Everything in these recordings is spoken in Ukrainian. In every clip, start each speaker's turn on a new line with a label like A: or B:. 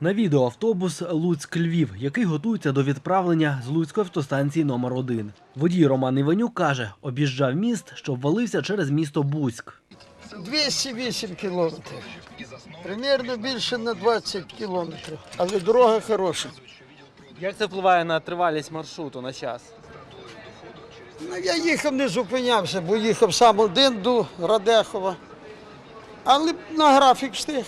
A: На відео автобус Луцьк-Львів, який готується до відправлення з Луцької автостанції номер 1. Водій Роман Іванюк каже, об'їжджав міст, що ввалився через місто Буськ.
B: 208 кілометрів. Примірно більше на 20 кілометрів. Але дорога хороша.
C: Як це впливає на тривалість маршруту, на час?
B: Ну, я їхав, не зупинявся, бо їхав сам один до Радехова. Але на графік встиг.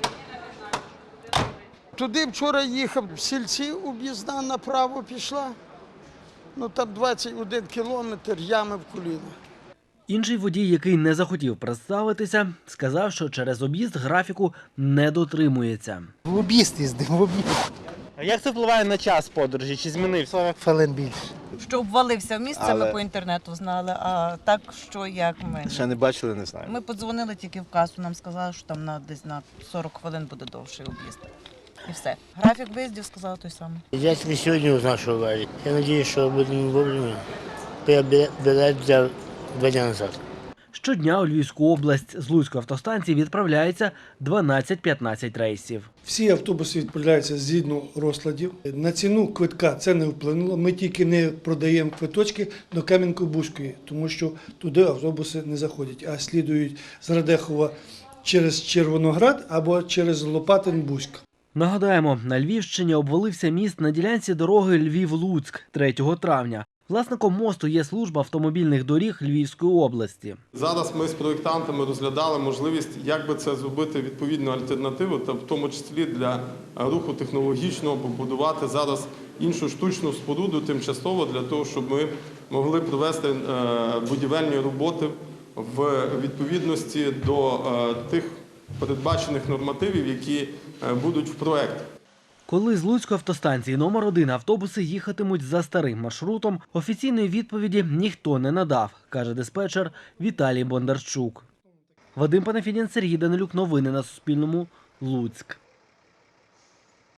B: Туди вчора їхав, в Сільці об'їзна направо пішла. Ну там 21 кілометр, ями в коліна.
A: Інший водій, який не захотів представитися, сказав, що через об'їзд графіку не дотримується.
D: В об'їзд їздив, в об'їзд.
C: А як це впливає на час подорожі? Чи змінився?
D: Хвилин більше.
E: Що обвалився в місце, ми по інтернету знали, а так, що як ми.
F: Ще не бачили, не знаю.
E: Ми подзвонили тільки в касу, нам сказали, що там десь на 40 хвилин буде довший об'їзд. І все. Графік виїздів сказали той самий.
G: Я тільки сьогодні узнав, що аварія. Я сподіваюся, що будемо вовремя. Я білет взяв 2 дні назад.
A: Щодня у Львівську область з Луцької автостанції відправляється 12-15 рейсів.
H: Всі автобуси відправляються згідно розкладів. На ціну квитка це не вплинуло. Ми тільки не продаємо квиточки до Кам'янки-Бузької, тому що туди автобуси не заходять, а слідують з Радехова через Червоноград або через Лопатин-Бузьк.
A: Нагадаємо, на Львівщині обвалився міст на ділянці дороги Львів-Луцьк 3 травня. Власником мосту є служба автомобільних доріг Львівської області.
I: Зараз ми з проєктантами розглядали можливість, як би це зробити відповідну альтернативу, та в тому числі для руху технологічного побудувати зараз іншу штучну споруду тимчасово для того, щоб ми могли провести будівельні роботи в відповідності до тих передбачених нормативів, які будуть в проєкті.
A: Коли з Луцької автостанції номер 1 автобуси їхатимуть за старим маршрутом, офіційної відповіді ніхто не надав, каже диспетчер Віталій Бондарчук. Вадим Панафідін, Сергій Данилюк. Новини на Суспільному. Луцьк.